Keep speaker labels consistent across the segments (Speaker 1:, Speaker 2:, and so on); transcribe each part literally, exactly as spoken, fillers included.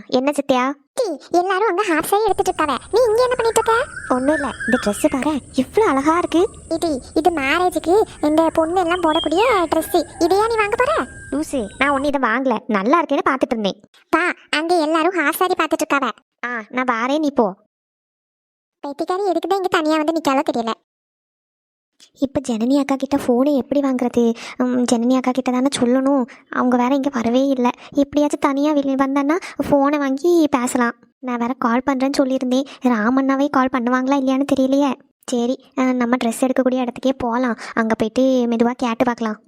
Speaker 1: என்ன சித்தியா?
Speaker 2: எல்லாரும் அங்க ஹாஃப் சாரி எடுத்துட்டு இருக்காவ, நீ இங்க என்ன பண்ணிட்டு இருக்க?
Speaker 1: ஒன்றும் இல்லை, இந்த ட்ரெஸ்ஸு பாரு இவ்வளோ அழகா இருக்கு.
Speaker 2: இது இது மேரேஜுக்கு இந்த பொண்ணு எல்லாம் போடக்கூடிய ட்ரெஸ். இதையா நீ வாங்க போற?
Speaker 1: லூசு, நான் ஒன்றும் இதை வாங்கல, நல்லா இருக்கேன்னு பார்த்துட்டு இருந்தேன்.
Speaker 2: பா, அங்க எல்லாரும் ஹாஃப் சாரி பார்த்துட்டு இருக்காவ.
Speaker 1: ஆ, நான் வாரேன், நீ போ.
Speaker 2: பெட்டிக்காரி எதுக்குதான் இங்க தனியா வந்து நிக்காலோ தெரியல.
Speaker 1: இப்போ ஜனனி அக்கா கிட்ட ஃபோனை எப்படி வாங்குறது? ஜனனி அக்கா கிட்ட தானே சொல்லணும், அவங்க வேற இங்கே வரவே இல்லை. எப்படியாச்சும் தனியாக வெளியே வந்தேன்னா ஃபோனை வாங்கி பேசலாம். நான் வேற கால் பண்ணுறேன்னு சொல்லியிருந்தேன். ராமண்ணாவே கால் பண்ணுவாங்களா இல்லையான்னு தெரியலையே. சரி, நம்ம ட்ரெஸ் எடுக்கக்கூடிய இடத்துக்கே போகலாம். அங்கே போயிட்டு மெதுவாக கேட்டு பார்க்கலாம்.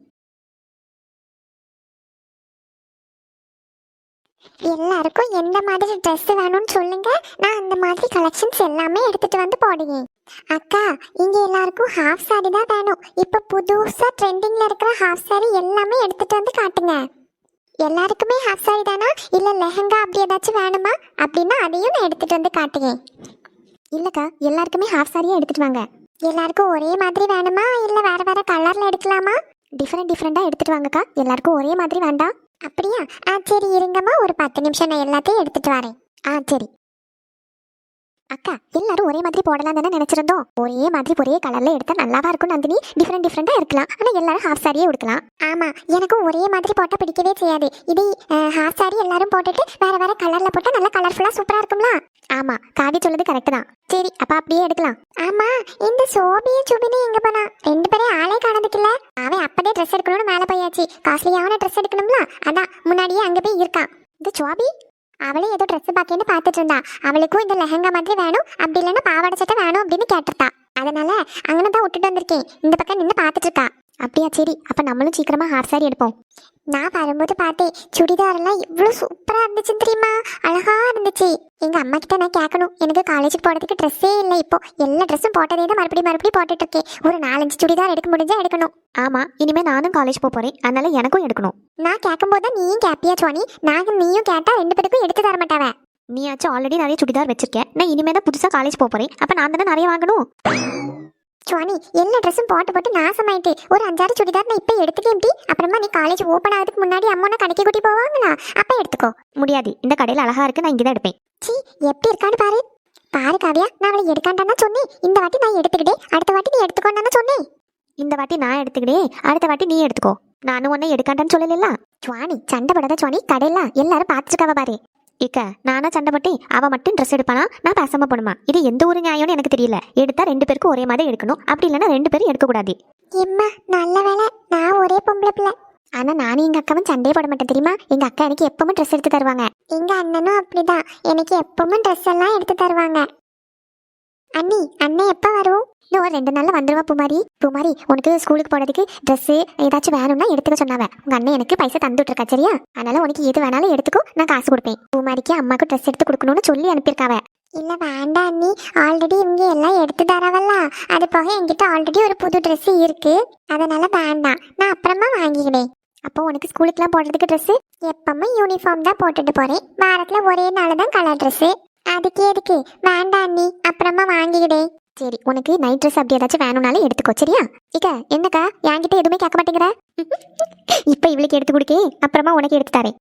Speaker 2: எல்லாருக்கும் எந்த மாதிரி ட்ரெஸ் வேணும்னு சொல்லுங்க, நான் அந்த மாதிரி கலெக்ஷன்ஸ் எல்லாமே எடுத்துட்டு வந்து போடுவேன். அக்கா, இங்க எல்லாருக்கும் ஹாஃப் சாரி தான் வேணும். இப்ப புதுசா ட்ரெண்டிங்ல இருக்கிற ஹாஃப் சாரி எல்லாமே எடுத்துட்டு வந்து காட்டுங்க. எல்லாருக்குமே ஹாஃப் சாரி தானா, இல்ல லெஹங்கா அப்படி ஏதாச்சும் வேணுமா? அப்படின்னா அதையும் நான் எடுத்துட்டு வந்து காட்டுவேன்.
Speaker 1: இல்லைக்கா, எல்லாருக்குமே ஹாஃப் சாரியே எடுத்துட்டு வாங்க.
Speaker 2: எல்லாருக்கும் ஒரே மாதிரி வேணுமா, இல்ல வேற வேற கலர்ல எடுக்கலாமா?
Speaker 1: டிஃப்ரெண்ட் டிஃப்ரெண்டாக எடுத்துட்டு வாங்கக்கா, எல்லாருக்கும் ஒரே மாதிரி வேண்டாம்.
Speaker 2: அப்படியா? ஆ சரி, இருங்கம்மா, ஒரு பத்து நிமிஷம் நான் எல்லாத்தையும் எடுத்துட்டு வரேன்.
Speaker 1: ஆ சரி. அக்கா, எல்லாரும் ஒரே மாதிரி போடலாம் தானே நினைச்சிருந்தோம். ஒரே மாதிரி ஒரே கலர்ல எடுத்தா நல்லாவா இருக்கும் நந்தினி? டிஃப்ரெண்ட் டிஃப்ரெண்டா இருக்கலாம், ஆனா எல்லாரும் ஹாஃப் சாரியே எடுக்கலாம்.
Speaker 2: ஆமா, எனக்கும் ஒரே மாதிரி போட்டா பிடிக்கவே செய்யாது. இது ஹாஃப் சாரி எல்லாரும் போட்டுட்டு வேற வேற கலர்ல போட்டா நல்லா கலர்ஃபுல்லா சூப்பரா இருக்கும்ல.
Speaker 1: ஆமா, காவி சொல்லுது கரெக்ட் தான். சரி, அப்ப அப்படியே எடுக்கலாம்.
Speaker 2: ஆமா, இந்த சோபியும் சுபினியும் எங்க போனா? ரெண்டு பேரும் ஆளே காணதுக்குல்ல. அவன் அப்பதே ட்ரெஸ் எடுக்கணும்னு மேல போயாச்சு. காஸ்ட்லியான ட்ரெஸ் எடுக்கணும்ல, அதான் முன்னாடியே அங்க போய் இருக்கான்.
Speaker 1: இந்த சோபி
Speaker 2: அவளே ஏதோ ட்ரெஸ் பாக்கேன்னு பார்த்துட்டு இருந்தா. அவளுக்கும் இந்த லெஹங்கா மாதிரி வேணும், அப்படி இல்லைன்னா பாவாடை சட்டை வேணும் அப்படின்னு கேட்டிருந்தா. அதனால அங்கன தான் விட்டுட்டு வந்திருக்கேன். இந்த பக்கம் நின்று பார்த்துட்டு இருக்கா.
Speaker 1: அப்படியா? சரி, அப்ப நம்மளும் சீக்கிரமா ஹாஃப் சாரி எடுப்போம்.
Speaker 2: நான் வரும்போது பார்த்தேன், சுடிதார் எல்லாம் இவ்வளவு சூப்பரா இருந்துச்சு தெரியுமா? அழகா இருந்துச்சு. எங்க அம்மா கிட்ட நான் கேட்கணும், எனக்கு காலேஜுக்கு போறதுக்கு ட்ரெஸ்ஸே இல்லை. இப்போ எல்லா ட்ரெஸ்ஸும் போட்டதே தான் மறுபடியும் மறுபடியும் போட்டுட்டு இருக்கேன். ஒரு நாலஞ்சு சுடிதார் எடுக்க முடிஞ்சா எடுக்கணும்.
Speaker 1: ஆமா, இனிமே நானும் காலேஜ் போக போறேன், அதனால எனக்கும் எடுக்கணும்.
Speaker 2: நான் கேட்கும் போது நீயும் கேப்பியா சுவானி? நாங்க நீயும் கேட்டா ரெண்டு பேருக்கும் எடுத்து தர மாட்டாவ.
Speaker 1: நீயாச்சும் ஆல்ரெடி நிறைய சுடிதார் வச்சிருக்கேன், நான் இனிமே தான் புதுசா காலேஜ் போக போறேன். அப்ப நான் தானே நிறைய வாங்கணும்.
Speaker 2: சுவானி, எல்லா ட்ரெஸ்ஸும் போட்டு போட்டு நாசமாயிட்டு. ஒரு அஞ்சாறு சுடிதார் நான் இப்ப எடுத்துக்கேன். அப்புறமா நீ காலேஜ் ஓப்பன் ஆகிறதுக்கு முன்னாடி அம்மா கடைக்கு கூட்டி போவாங்களா, அப்ப எடுத்துக்கோ.
Speaker 1: முடியாது, இந்த கடையில் அழகா இருக்கு, நான் இங்கதான் எடுப்பேன்.
Speaker 2: சி, எப்படி இருக்கான்னு பாரு. பாரு காவியா, நான் அவளை எடுக்காண்டான்னு சொன்னேன். இந்த வாட்டி நான் எடுத்துக்கிட்டே, அடுத்த வாட்டி நீ எடுத்துக்கோன்னு சொன்னேன்.
Speaker 1: இந்த வாட்டி நான் எடுத்துக்கிட்டே, அடுத்த வாட்டி நீ எடுத்துக்கோ. நானும் உன்னை எடுக்காண்டான்னு சொல்லல.
Speaker 2: சுவானி, சண்டை படாத சுவானி. கடையில எல்லாரும் பார்த்துருக்காவ பாரு.
Speaker 1: இக்க, நானா சண்டை போட்டேன்? அவ மட்டும் ட்ரெஸ் எடுப்பானா, நான் பேசாம போடுமா? இது எந்த ஒரு நியாயம்னு எனக்கு தெரியல. எடுத்தா ரெண்டு பேருக்கும் ஒரே மாதிரி எடுக்கணும், அப்படி இல்லைன்னா ரெண்டு பேரும் எடுக்கக்கூடாது.
Speaker 2: எம்மா, நல்ல வேலை நான் ஒரே பொம்பளை பிள்ளை.
Speaker 1: ஆனா நானும் எங்க அக்காவும் சண்டையே போட மாட்டேன் தெரியுமா? எங்க அக்கா எனக்கு எப்பவும் ட்ரெஸ் எடுத்து தருவாங்க.
Speaker 2: எங்க அண்ணனும் அப்படிதான், எனக்கு எப்பவும் ட்ரெஸ் எல்லாம் எடுத்து தருவாங்க. அண்ணி, அண்ணன் எப்ப வரும்?
Speaker 1: இன்னும் ஒரு ரெண்டு நாள்ல வந்துருவா பூமாரி. பூமாரி, உனக்கு ஸ்கூலுக்கு போறதுக்கு ட்ரெஸ் ஏதாச்சும் வேணும்னா எடுத்துக்க சொன்னாவ. உங்க அண்ணன் எனக்கு பைசா தந்துட்டு இருக்கா, சரியா? அதனால உனக்கு எது வேணாலும் எடுத்துக்கோ, நான் காசு கொடுப்பேன். பூமாரிக்கு அம்மாக்கு ட்ரெஸ் எடுத்து கொடுக்கணும்னு சொல்லி அனுப்பியிருக்காவ.
Speaker 2: இல்ல வேண்டாம் அண்ணி, ஆல்ரெடி இவங்க எல்லாம் எடுத்து தரவல்ல. அது போக என்கிட்ட ஆல்ரெடி ஒரு புது ட்ரெஸ் இருக்கு, அதனால வேண்டாம், நான் அப்புறமா வாங்கிக்கிறேன்.
Speaker 1: அப்போ உனக்கு ஸ்கூலுக்குலாம் போடுறதுக்கு ட்ரெஸ்?
Speaker 2: எப்பவும் யூனிஃபார்ம் தான் போட்டுட்டு போறேன். வாரத்துல ஒரே நாள் தான் கலர் ட்ரெஸ். அதுக்கு எதுக்கு? வேண்டாம் அண்ணி, அப்புறமா வாங்கிக்கிறேன்.
Speaker 1: சரி, உனக்கு நைட் ட்ரெஸ் அப்படி ஏதாச்சும் வேணும்னாலும் எடுத்துக்கோ, சரியா? இக்க, என்னக்கா என்கிட்ட எதுவுமே கேட்க மாட்டேங்கிற? இப்ப இவளுக்கு எடுத்து கொடுக்கே, அப்புறமா உனக்கு எடுத்து தரேன்.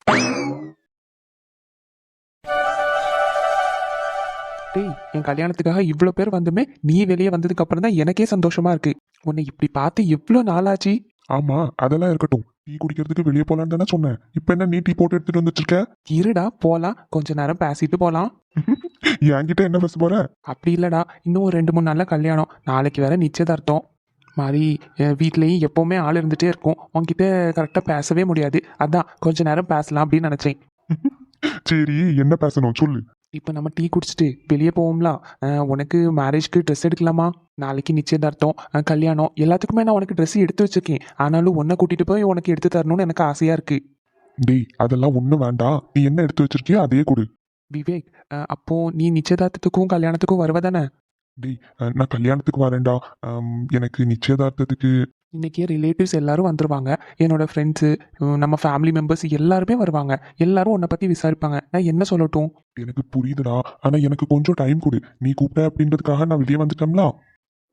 Speaker 3: டேய், என் கல்யாணத்துக்காக இவ்வளோ பேர் வந்துமே நீ வெளியே வந்ததுக்கு அப்புறம் தான் எனக்கே சந்தோஷமா இருக்கு. உன்னை இப்படி பார்த்து எவ்வளோ நாளாச்சு.
Speaker 4: ஆமா, அதெல்லாம் இருக்கட்டும். டீ குடிக்கிறதுக்கு வெளியே போலான்னு தானே சொன்னேன். இப்ப என்ன நீ டீ போட்டு எடுத்துட்டு வந்துட்டு இருக்க?
Speaker 3: இருடா, போலாம், கொஞ்ச நேரம் பேசிட்டு போலாம்.
Speaker 4: என்கிட்ட என்ன பேச போற?
Speaker 3: அப்படி இல்லடா, இன்னும் ஒரு ரெண்டு மூணு நாள்ல கல்யாணம், நாளைக்கு வேற நிச்சயதார்த்தம் மாதிரி. வீட்லயும் எப்பவுமே ஆள் இருந்துட்டே இருக்கும், உன்கிட்ட கரெக்டா பேசவே முடியாது. அதான் கொஞ்ச நேரம் பேசலாம் அப்படின்னு நினைச்சேன்.
Speaker 4: சரி, என்ன பேசணும் சொல்லு.
Speaker 3: இப்போ நம்ம டீ குடிச்சிட்டு வெளியே போவோம்ல. உனக்கு மேரேஜ்க்கு ட்ரெஸ் எடுக்கலாமா? நாளைக்கு நிச்சயதார்த்தம், கல்யாணம், எல்லாத்துக்குமே நான் உனக்கு ட்ரெஸ் எடுத்து வச்சிருக்கேன். ஆனாலும் உன்னை கூட்டிட்டு போய் உனக்கு எடுத்து தரணும்னு எனக்கு ஆசையா இருக்கு.
Speaker 4: டேய், அதெல்லாம் ஒன்றும் வேண்டாம். நீ என்ன எடுத்து வச்சிருக்கியோ அதையே கொடு.
Speaker 3: விவேக், அப்போ நீ நிச்சயதார்த்தத்துக்கும் கல்யாணத்துக்கும் வருவதானே?
Speaker 4: டேய், நான் கல்யாணத்துக்கு வரேன்டா. எனக்கு நிச்சயதார்த்தத்துக்கு
Speaker 3: இன்னைக்கே ரிலேட்டிவ்ஸ் எல்லாரும் வந்துருவாங்க. என்னோட ஃப்ரெண்ட்ஸு, நம்ம ஃபேமிலி மெம்பர்ஸ் எல்லாருமே வருவாங்க. எல்லாரும் உன்னை பற்றி விசாரிப்பாங்க. நான் என்ன சொல்லட்டும்?
Speaker 4: எனக்கு புரியுதுடா, ஆனால் எனக்கு கொஞ்சம் டைம் கொடு. நீ கூப்பிட்ட அப்படின்றதுக்காக நான் வெளியே வந்துட்டோம்ல.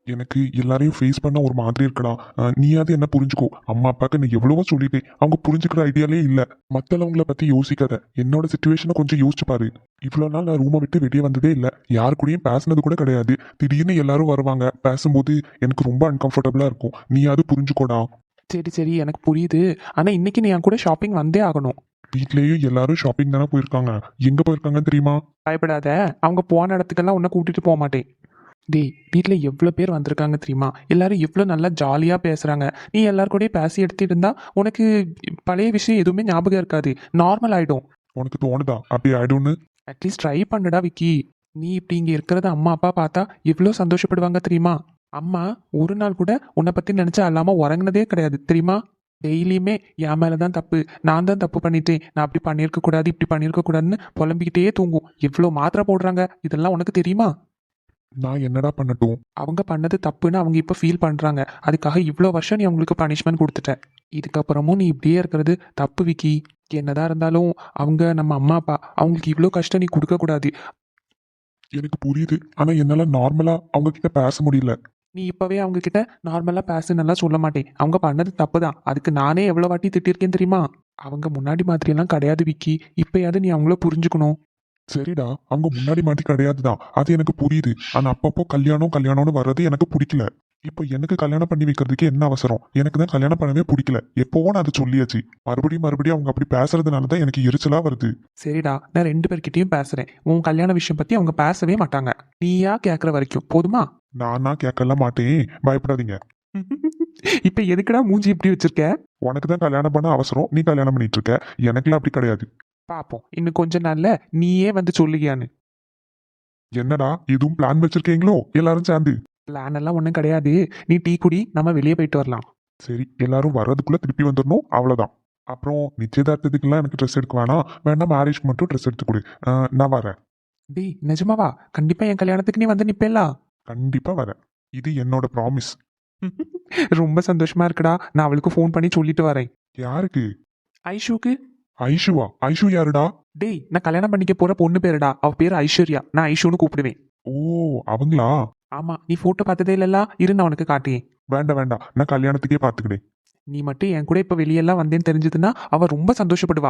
Speaker 4: எனக்கு எல்லாரையும் ஃபேஸ் பண்ண ஒரு மாதிரி இருக்கடா. அஹ், நீயாவது என்ன புரிஞ்சுக்கோ. அம்மா அப்பாக்கு நான் எவ்வளவோ சொல்லிட்டேன், அவங்க புரிஞ்சுக்கிற ஐடியாலே இல்ல. மத்தவங்கள பத்தி யோசிக்காத, என்னோட சுச்சுவேஷனை கொஞ்சம் யோசிச்சு பாரு. இவ்வளவு நாள் நான் ரூமை விட்டு வெளியே வந்ததே இல்ல, யாரு கூடயும் பேசினது கூட கிடையாது. திடீர்னு எல்லாரும் வருவாங்க, பேசும்போது எனக்கு ரொம்ப அன்கம்ஃபர்டபுளா இருக்கும். நீயாவது புரிஞ்சுக்கோடா.
Speaker 3: சரி சரி எனக்கு புரியுது. ஆனா இன்னைக்கு நீ என் கூட ஷாப்பிங் வந்தே ஆகணும்.
Speaker 4: வீட்லயும் எல்லாரும் ஷாப்பிங் தானே போயிருக்காங்க. எங்க போயிருக்காங்கன்னு தெரியுமா?
Speaker 3: பயப்படாத, அவங்க போன இடத்துக்கெல்லாம் உன்னை கூட்டிட்டு போக மாட்டேன். டேய், வீட்டில் எவ்வளோ பேர் வந்திருக்காங்க தெரியுமா? எல்லாரும் எவ்வளோ நல்லா ஜாலியாக பேசுகிறாங்க. நீ எல்லார் கூடயும் பேசி எடுத்துட்டு இருந்தா உனக்கு பழைய விஷயம் எதுவுமே ஞாபகம் இருக்காது, நார்மல் ஆகிடும்.
Speaker 4: உனக்கு தோணுதா அப்படி ஆயிடும்னு?
Speaker 3: அட்லீஸ்ட் ட்ரை பண்ணுடா விக்கி. நீ இப்படி இங்கே இருக்கிறத அம்மா அப்பா பார்த்தா எவ்வளோ சந்தோஷப்படுவாங்க தெரியுமா? அம்மா ஒரு நாள் கூட உன்னை பற்றி நினச்சா அல்லாமல் உறங்குனதே கிடையாது தெரியுமா? டெய்லியுமே என் மேலே தான் தப்பு, நான் தான் தப்பு பண்ணிட்டேன், நான் அப்படி பண்ணியிருக்க கூடாது இப்படி பண்ணியிருக்க கூடாதுன்னு புலம்பிக்கிட்டே தூங்கும். எவ்வளோ மாத்திரை போடுறாங்க, இதெல்லாம் உனக்கு தெரியுமா?
Speaker 4: நான் என்னடா பண்ணட்டும்?
Speaker 3: அவங்க பண்ணது தப்புன்னு அவங்க இப்போ ஃபீல் பண்ணுறாங்க. அதுக்காக இவ்வளோ வருஷம் நீ அவங்களுக்கு பனிஷ்மெண்ட் கொடுத்துட்ட. இதுக்கப்புறமும் நீ இப்படியே இருக்கிறது தப்பு விக்கி. என்னதான் இருந்தாலும் அவங்க நம்ம அம்மா அப்பா, அவங்களுக்கு இவ்வளோ கஷ்டம் நீ கொடுக்கக்கூடாது.
Speaker 4: எனக்கு புரியுது, ஆனா என்னால நார்மலா அவங்க கிட்ட பேச முடியல.
Speaker 3: நீ இப்போவே அவங்க கிட்ட நார்மலாக பேசுனெல்லாம் சொல்ல மாட்டேன். அவங்க பண்ணது தப்பு தான், அதுக்கு நானே எவ்வளோ வாட்டி திட்டிருக்கேன் தெரியுமா? அவங்க முன்னாடி மாதிரியெல்லாம் கிடையாது விக்கி. இப்போயாவது நீ அவங்கள புரிஞ்சுக்கணும்.
Speaker 4: சரிடா, அவங்க முன்னாடி மாதிரி கிடையாதுதான், அது எனக்கு புரியுது. ஆனா அப்பப்போ கல்யாணம் கல்யாணம்னு வர்றது எனக்கு பிடிக்கல. இப்போ எனக்கு கல்யாணம் பண்ணி வைக்கிறதுக்கு என்ன அவசரம்? எனக்கு தான் கல்யாணம் பண்ணவே பிடிக்கல. எப்போவோ நான் அதை சொல்லியாச்சு. மறுபடியும் மறுபடியும் அவங்க அப்படி பேசுறதுனால தான் எனக்கு எரிச்சலா வருது.
Speaker 3: சரிடா, நான் ரெண்டு பேர்கிட்டயும் பேசுறேன். உன் கல்யாண விஷயம் பத்தி அவங்க பேசவே மாட்டாங்க. நீயா கேட்குற வரைக்கும் போதுமா?
Speaker 4: நானா கேட்கலாம் மாட்டேன், பயப்படாதீங்க.
Speaker 3: இப்ப எதுக்குடா மூஞ்சி இப்படி வச்சிருக்க?
Speaker 4: உனக்கு தான் கல்யாணம் பண்ண அவசரம், நீ கல்யாணம் பண்ணிட்டு இருக்க. எனக்குலாம் அப்படி கிடையாது.
Speaker 3: பாப்போம் இன்னும் கொஞ்ச நாள்ல நீயே வந்து சொல்லுகியான்னு.
Speaker 4: என்னடா எதுவும் பிளான் வச்சிருக்கீங்களோ எல்லாரும் சேர்ந்து?
Speaker 3: பிளான் எல்லாம் ஒன்றும் கிடையாது. நீ டீ குடி, நம்ம வெளியே போயிட்டு வரலாம்.
Speaker 4: சரி, எல்லாரும் வர்றதுக்குள்ள திருப்பி வந்துடணும், அவ்வளவுதான். அப்புறம் நிச்சயதார்த்தத்துக்குலாம் எனக்கு ட்ரெஸ் எடுக்க வேணாம், வேணா மேரேஜ்க்கு மட்டும் ட்ரெஸ் எடுத்து கொடு. அஹ், நான் வரேன்.
Speaker 3: டேய் நிஜமாவா? கண்டிப்பா என் கல்யாணத்துக்கு நீ வந்து நிப்பேலா?
Speaker 4: கண்டிப்பா வரேன், இது என்னோட ப்ராமிஸ்.
Speaker 3: ரொம்ப சந்தோஷமா இருக்குடா. நான் அவளுக்கு ஃபோன் பண்ணி சொல்லிட்டு வரேன்.
Speaker 4: யாருக்கு?
Speaker 3: ஐஷுக்கு.
Speaker 4: ஐஷுவா? ஐஷு யாருடா?
Speaker 3: டேய், நான் கல்யாணம் பண்ணிக்க போற பொண்ணு பேருடா. அவ பேர் ஐஸ்வர்யா, நான் ஐஷுன்னு கூப்பிடுவேன்.
Speaker 4: ஓ, அவங்களா?
Speaker 3: ஆமா, நீ போட்டோ பார்த்ததே இல்லல்ல, இரு நான் உனக்கு காட்டியேன்.
Speaker 4: வேண்டாம் வேண்டாம், நான் கல்யாணத்துக்கே பாத்துக்கிட்டேன்.
Speaker 3: நீ மட்டும் என் கூட இப்ப வெளியெல்லாம் வந்தேன்னு தெரிஞ்சதுன்னா அவ ரொம்ப சந்தோஷப்படுவா.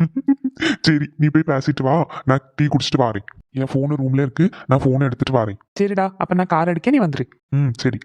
Speaker 4: சரி, நீ போய் பேசிட்டு வா, நான் டீ குடிச்சிட்டு வரேன். என் ஃபோனு ரூம்ல இருக்கு, நான் ஃபோனை எடுத்துட்டு வரேன்.
Speaker 3: சரிடா, அப்ப நான் கார் எடுக்க, நீ வந்துரு.
Speaker 4: ம் சரி.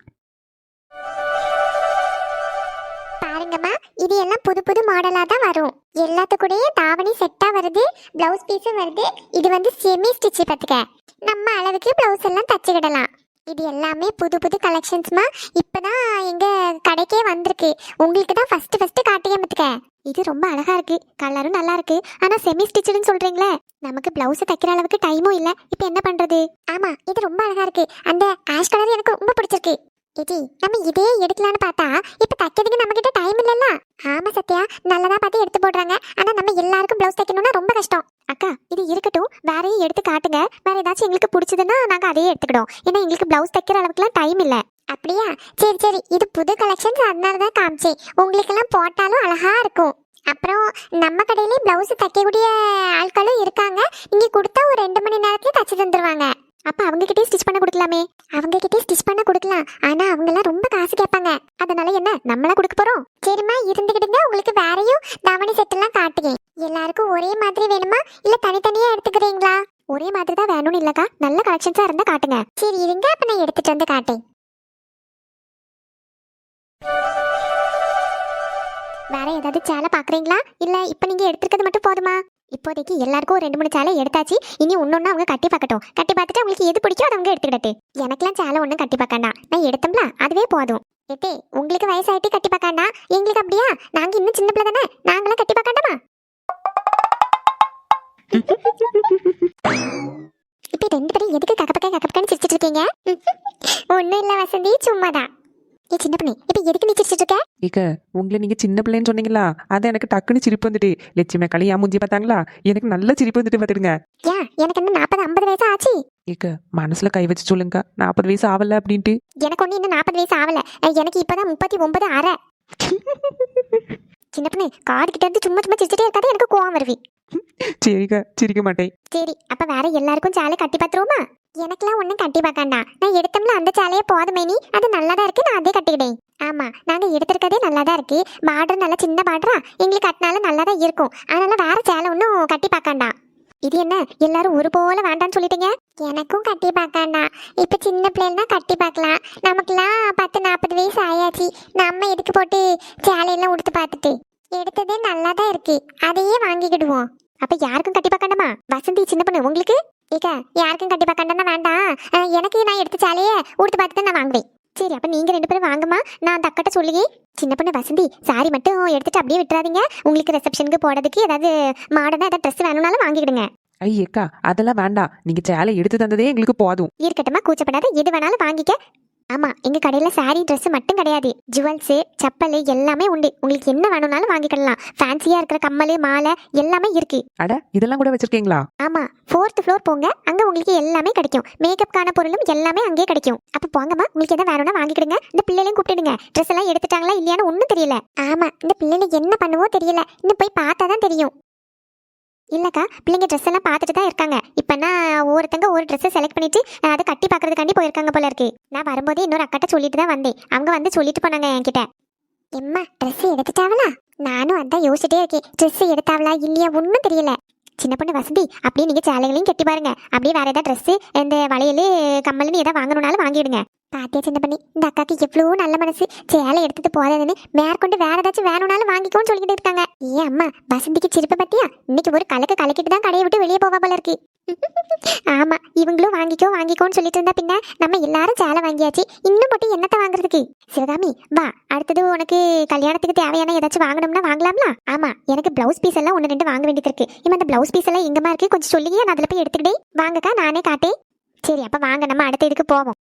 Speaker 2: பாருங்கம்மா, இது எல்லாம் புது புது மாடலா தான் வரும். எல்லாத்துக்கூடயே தாவணி செட்டா வருது, பிளவுஸ் பீஸும் வருது. இது வந்து செமி ஸ்டிச் பார்த்துக்க, நம்ம அளவுக்கு பிளவுஸ் எல்லாம் தச்சுக்கிடலாம். இது எல்லாமே புது புது கலெக்ஷன்ஸ்மா. இப்பதான் எங்க கடைக்கே வந்திருக்கு. உங்களுக்கு தான் ஃபர்ஸ்ட் ஃபர்ஸ்ட் காட்டியே பார்த்துக்க. இது ரொம்ப அழகா இருக்கு, கலரும் நல்லா இருக்கு. ஆனா செமி ஸ்டிச்சுன்னு சொல்றீங்களே, நமக்கு பிளவுஸ் தைக்கிற அளவுக்கு டைமும் இல்ல. இப்போ என்ன பண்றது? ஆமா, இது ரொம்ப அழகா இருக்கு. அந்த ஆஷ் கலர் எனக்கு ரொம்ப பிடிச்சிருக்கு. ஏடி, நம்ம இதே எடுக்கலான்னு பார்த்தா இப்ப தைக்கிறதுக்கு நம்ம கிட்ட டைம் இல்லல்ல. ஆமா சத்யா, நல்லதா பார்த்து எடுத்து போடுறாங்க. ஆனா நம்ம எல்லாருக்கும் பிளவுஸ் தைக்கணும்னா ரொம்ப கஷ்டம். அக்கா, இது இருக்கட்டும், வேறையும் எடுத்து காட்டுங்க. வேற ஏதாச்சும் எங்களுக்கு பிடிச்சதுன்னா நாங்க அதையே எடுத்துக்கிட்டோம். ஏன்னா எங்களுக்கு பிளவுஸ் தைக்கிற அளவுக்குலாம் டைம் இல்ல. அப்படியா? சரி சரி, இது புது கலெக்ஷன்ஸ், அதனால தான் காமிச்சேன். உங்களுக்கெல்லாம் போட்டாலும் அழகா இருக்கும். அப்புறம் நம்ம கடையிலே பிளவுஸ் தைக்கக்கூடிய ஆட்களும் இருக்காங்க. இங்க கொடுத்தா ஒரு ரெண்டு மணி நேரத்துல தச்சு தந்துருவாங்க. அப்ப அவங்க கிட்டே ஸ்டிச் பண்ண கொடுக்கலாமே? அவங்க கிட்டே ஸ்டிச் பண்ண கொடுக்கலாம், ஆனா அவங்க எல்லாம் ரொம்ப காசு கேட்பாங்க. அதனால என்ன, நம்மளா கொடுக்க போறோம்? சரிம்மா, இருந்துகிட்டுங்க. உங்களுக்கு வேறையும் தாவணி செட் எல்லாம் காட்டுறேன். எல்லாருக்கும் ஒரே மாதிரி வேணுமா இல்ல தனித்தனியா எடுத்துக்கிறீங்களா? ஒரே மாதிரி தான் வேணும்னு இல்லக்கா, நல்ல கலெக்ஷன்ஸா இருந்தா காட்டுங்க. சரி இருங்க, அப்ப நான் எடுத்துட்டு வந்து காட்டேன். வேற ஏதாவது சேலை பாக்குறீங்களா இல்ல இப்ப நீங்க எடுத்துக்கிறது மட்டும் போதுமா? இப்போதைக்கு எல்லாருக்கும் ரெண்டு மூணு சேலை எடுத்தாச்சு. இனி ஒன்னொன்னு அவங்க கட்டி பார்க்கட்டும். கட்டி பார்த்துட்டு அவங்களுக்கு எது பிடிக்கும் அதை அவங்க எடுத்துக்கிட்டு. எனக்கெல்லாம் சேலை ஒன்றும் கட்டி பார்க்கண்டா, நான் எடுத்தோம்ல அதுவே போதும். ஏத்தே, உங்களுக்கு வயசாயிட்டு கட்டி பார்க்கண்டா, எங்களுக்கு அப்படியா? நாங்க இன்னும் சின்ன பிள்ளை தானே, நாங்களாம் கட்டி பார்க்கண்டாமா? இப்ப ரெண்டு பேரும் எதுக்கு கக்கப்பக்க கக்கப்பக்கன்னு சிரிச்சிட்டு இருக்கீங்க? ஒன்னும் இல்ல வசந்தி, சும்மாதான். ஏ சின்ன பண்ணி, இப்ப எதுக்கு நீ சிரிச்சிட்டு இருக்க?
Speaker 3: ஏக்க, உங்களை நீங்க சின்ன பிள்ளைன்னு சொன்னீங்களா, அது எனக்கு டக்குன்னு சிரிப்பு வந்துட்டு. லட்சுமி களியா மூஞ்சி பார்த்தாங்களா, எனக்கு நல்ல சிரிப்பு வந்துட்டு பார்த்துடுங்க.
Speaker 2: ஏன், எனக்கு என்ன நாற்பது ஐம்பது வயசு ஆச்சு?
Speaker 3: ஏக்க, மனசுல கை வச்சு சொல்லுங்க, நாற்பது வயசு ஆகல அப்படின்ட்டு.
Speaker 2: எனக்கு ஒண்ணு இன்னும் நாற்பது வயசு ஆகல. எனக்கு இப்பதான் முப்பத்தி ஒன்பது அரை. சின்ன பண்ணி, காது கிட்ட இருந்து சும்மா சும்மா சிரிச்சிட்டே இருக்காது, எனக்கு கோவம் வருவி.
Speaker 3: சரிக்கா, சிரிக்க மாட்டேன்.
Speaker 2: சரி, அப்ப வேற எல்லாருக்கும் சேலை கட்டி பாத்துருவோமா? எனக்கெல்லாம் ஒன்றும் கட்டி பார்க்காண்டா. நான் எடுத்தோம்ல அந்த சேலையே போதுமே, நீ அது நல்லா தான் இருக்கு, நான் அதே கட்டிக்கிட்டேன். ஆமா, நாங்க எடுத்திருக்கதே நல்லா தான் இருக்கு. பார்டர் நல்லா சின்ன பார்டரா, எங்களுக்கு கட்டினாலும் நல்லா தான் இருக்கும். அதனால வேற சேலை ஒன்றும் கட்டி பார்க்காண்டா. இது என்ன எல்லாரும் ஒரு போல வேண்டான்னு சொல்லிட்டீங்க? எனக்கும் கட்டி பார்க்காண்டா. இப்ப சின்ன பிள்ளைன்னா கட்டி பார்க்கலாம். நமக்குலாம் பத்து நாற்பது வயசு ஆயாச்சு. நம்ம எதுக்கு போட்டு சேலையெல்லாம் உடுத்து பார்த்துட்டு? எடுத்ததே நல்லா தான் இருக்கு, அதையே வாங்கிக்கிடுவோம்.
Speaker 1: அப்ப யாருக்கும் கட்டி பார்க்கணுமா? வசந்தி சின்ன பொண்ணு உங்களுக்கு
Speaker 2: ஏக்கா, யாருக்கும் கட்டி பார்க்கண்டா வேண்டாம். அஹ், எனக்கு நான் எடுத்த சேலையை உடுத்து பார்த்துட்டு நான் வாங்குவேன்.
Speaker 1: சரி, அப்ப நீங்க ரெண்டு பேரும் வாங்கம்மா, நான் அந்த அக்கட்ட சொல்லியே. சின்ன பொண்ணு வசந்தி, சாரி மட்டும் எடுத்துட்டு அப்படியே விட்டுறாதீங்க. உங்களுக்கு ரிசப்ஷனுக்கு போடுறதுக்கு ஏதாவது மாடர்னா ஏதாவது ட்ரெஸ் வேணும்னாலும் வாங்கிடுங்க.
Speaker 5: ஐயக்கா அதெல்லாம் வேண்டாம், நீங்க சேலை எடுத்து தந்ததே எங்களுக்கு போதும்.
Speaker 1: இருக்கட்டுமா, கூச்சப்படாத, எது வேணாலும் வாங்கிக்க. ஆமா, எங்க கடையில சாரி ட்ரெஸ் மட்டும் கிடையாது, ஜுவல்ஸ் செப்பல் எல்லாமே உண்டு. உங்களுக்கு என்ன வேணும்னாலும் வாங்கிக்கலாம். ஃபேன்சியா இருக்கிற கம்மல் மாலை எல்லாமே இருக்கு.
Speaker 5: அட இதெல்லாம் கூட வச்சிருக்கீங்களா?
Speaker 1: ஆமா, ஃபோர்த் ஃப்ளோர் போங்க, அங்க உங்களுக்கு எல்லாமே கிடைக்கும். மேக்கப்கான பொருளும் எல்லாமே அங்கேயே கிடைக்கும். அப்ப போங்கம்மா, உங்களுக்கு எதாவது வேணும்னா வாங்கிடுங்க. இந்த பிள்ளைகளையும் கூப்பிடுங்க. ட்ரெஸ் எல்லாம் எடுத்துட்டாங்களா இல்லையான்னு ஒன்றும் தெரியல.
Speaker 2: ஆமா, இந்த பிள்ளைங்க என்ன பண்ணுவோ தெரியல, இன்னும் போய் பார்த்தா தான் தெரியும்.
Speaker 1: இல்லக்கா, பிள்ளைங்க ட்ரெஸ் எல்லாம் பார்த்துட்டு தான் இருக்காங்க. இப்பனா ஒவ்வொருத்தங்க ஒரு ட்ரெஸ் செலக்ட் பண்ணிட்டு அதை கட்டி பார்க்கறதுக்காண்டி போயிருக்காங்க போல இருக்கு. நான் வரும்போதே இன்னொரு அக்கட்ட சொல்லிட்டு தான் வந்தேன். அவங்க வந்து சொல்லிட்டு போனாங்க என்கிட்ட.
Speaker 2: எம்மா, ட்ரெஸ் எடுத்துட்டாவளா? நானும் அதான் யோசிச்சுட்டே இருக்கேன், ட்ரெஸ் எடுத்தாவளா இல்லையா ஒன்றும் தெரியல.
Speaker 1: சின்ன பொண்ணு வசந்தி, அப்படியே நீங்க சேலைகளையும் கட்டி பாருங்க. அப்படியே வேற ஏதாவது ட்ரெஸ், இந்த வளையல் கம்மல்னு ஏதாவது வாங்கணும்னாலும் வாங்கிடுங்க.
Speaker 2: பாத்தியா சின்ன பண்ணி, இந்த அக்காக்கு எவ்வளோ நல்ல மனசு. சேலை எடுத்துட்டு போறதுன்னு மேற்கொண்டு வேற ஏதாச்சும் வேணும்னாலும் வாங்கிக்கோன்னு சொல்லிக்கிட்டு இருக்காங்க. ஏன் அம்மா, வசந்திக்கு சிரிப்பை பத்தியா? இன்னைக்கு ஒரு கலக்கு கலக்கிட்டு தான் கடையை விட்டு வெளியே போவா போல இருக்கு. ஆமா, இவங்களும் வாங்கிக்கோ வாங்கிக்கோன்னு சொல்லிட்டு இருந்தா பின்ன நம்ம எல்லாரும் சேலை வாங்கியாச்சு, இன்னும் மட்டும் என்னத்தை வாங்குறதுக்கு? சிவகாமி வா, அடுத்தது உனக்கு கல்யாணத்துக்கு தேவையான ஏதாச்சும் வாங்கணும்னா வாங்கலாம்ல? ஆமா, எனக்கு பிளவுஸ் பீஸ் எல்லாம் ஒன்று ரெண்டு வாங்க வேண்டியது இருக்கு. இவன் அந்த பிளவுஸ் பீஸ் எல்லாம் எங்கம்மா இருக்கு கொஞ்சம் சொல்லியே, நான் அதில் போய் எடுத்துக்கிட்டே. வாங்கக்கா, நானே காட்டேன். சரி, அப்ப வாங்க, நம்ம அடுத்த இதுக்கு போவோம்.